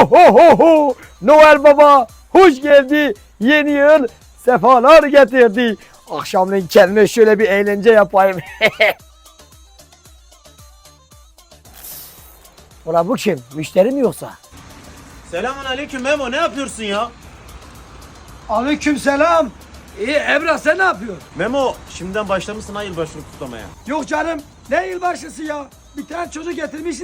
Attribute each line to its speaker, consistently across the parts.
Speaker 1: ho ho ho! Noel Baba hoş geldi. Yeni yıl sefalar getirdi. Akşamleyin kendime şöyle bir eğlence yapayım. Ulan bu kim? Müşteri mi yoksa?
Speaker 2: Selamun aleyküm Memo, ne yapıyorsun ya?
Speaker 1: Aleykümselam. İyi Emrah, sen ne yapıyorsun?
Speaker 2: Memo, şimdiden başlamışsın ha yılbaşını kutlamaya.
Speaker 1: Yok canım, ne yılbaşısı ya? Bir tane çocuk getirmişsin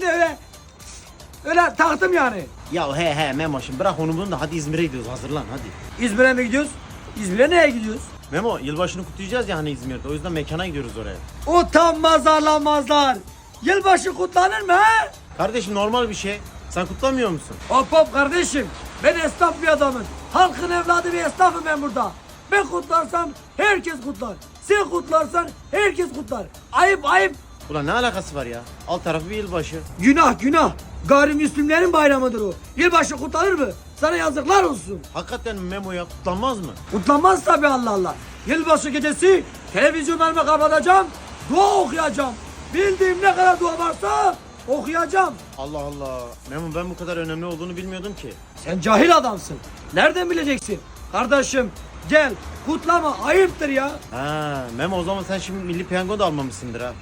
Speaker 1: öyle taktım yani.
Speaker 2: Ya he Memo, şimdi bırak onu bunu da hadi İzmir'e gidiyoruz, hazırlan hadi.
Speaker 1: İzmir'e mi gidiyoruz? İzmir'e neye gidiyoruz?
Speaker 2: Memo, yılbaşını kutlayacağız ya hani İzmir'de, o yüzden mekana gidiyoruz oraya.
Speaker 1: Utanmaz arlanmazlar. Yılbaşı kutlanır mı ha?
Speaker 2: Kardeşim normal bir şey, sen kutlamıyor musun?
Speaker 1: Hop hop kardeşim, ben esnaf bir adamım. Halkın evladı bir esnafım ben burada. Ben kutlarsam herkes kutlar. Sen kutlarsan herkes kutlar. Ayıp ayıp.
Speaker 2: Ulan ne alakası var ya? Alt tarafı bir yılbaşı.
Speaker 1: Günah günah. Gayrimüslimlerin bayramıdır o. Yılbaşı kutlanır mı? Sana yazıklar olsun.
Speaker 2: Hakikaten mi Memo ya, kutlanmaz mı?
Speaker 1: Kutlanmaz tabii, Allah Allah. Yılbaşı gecesi televizyonlarımı kapatacağım. Dua okuyacağım. Bildiğim ne kadar dua varsa okuyacağım.
Speaker 2: Allah Allah. Memo, ben bu kadar önemli olduğunu bilmiyordum ki.
Speaker 1: Sen cahil adamsın. Nereden bileceksin? Kardeşim gel kutlama, ayıptır ya.
Speaker 2: Ha Memo, o zaman sen şimdi milli piyango da almamışsındır ha.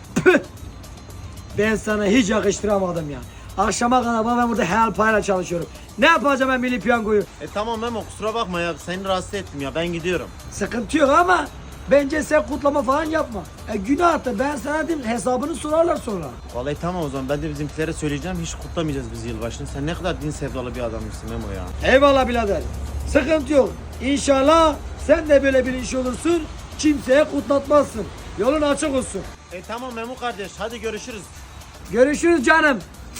Speaker 1: Ben sana hiç yakıştıramadım ya. Akşama kadar ben burada helal payla çalışıyorum. Ne yapacağım ben milli piyangoyu?
Speaker 2: Tamam Memo, kusura bakma ya, seni rahatsız ettim ya, ben gidiyorum.
Speaker 1: Sıkıntı yok ama bence sen kutlama falan yapma. Günahtır, ben sana diyeyim, hesabını sorarlar sonra.
Speaker 2: Vallahi tamam, o zaman ben de bizimkilere söyleyeceğim, hiç kutlamayacağız biz yılbaşını. Sen ne kadar din sevdalı bir adammışsın Memo ya.
Speaker 1: Eyvallah birader. Sıkıntı yok. İnşallah sen de böyle bilinçli olursun. Kimseye kutlatmazsın. Yolun açık olsun.
Speaker 2: Tamam Memo kardeş, hadi görüşürüz.
Speaker 1: Görüşürüz canım.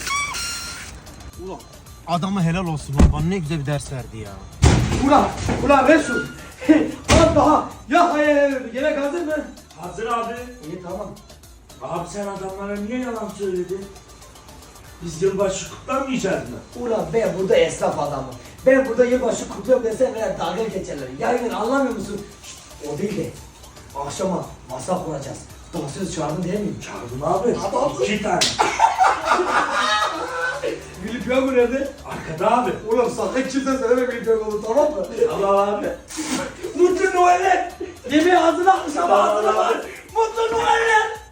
Speaker 2: Ulan adama helal olsun lan, bana ne güzel bir ders verdi ya.
Speaker 1: Ulan Resul. Az daha ya hayal verdi. Yemek hazır mı?
Speaker 3: Hazır abi.
Speaker 1: İyi tamam.
Speaker 3: Abi sen adamlara niye yalan söyledin? Biz yılbaşı kutlamayacağız mı?
Speaker 1: Ulan ben burada esnaf adamım. Ben burada yılbaşı kutluyorum desem bile dalga geçerler. Yaygın anlamıyor musun? Şşt, o değil de akşama masa kuracağız. Dansöz çağırdın değil mi?
Speaker 3: Çağırdım abi.
Speaker 1: Adam.
Speaker 3: 2 tane.
Speaker 1: Milli piyango nerede?
Speaker 3: Arkada abi.
Speaker 1: Ulan sakın kimse söyleme milli piyango, tamam mı?
Speaker 3: Allah abi.
Speaker 1: Mutlu Noel'ler. Yemeği hazırla, akşama
Speaker 3: Tamam
Speaker 1: hazırla.
Speaker 3: abi.
Speaker 1: Mutlu Noel'ler.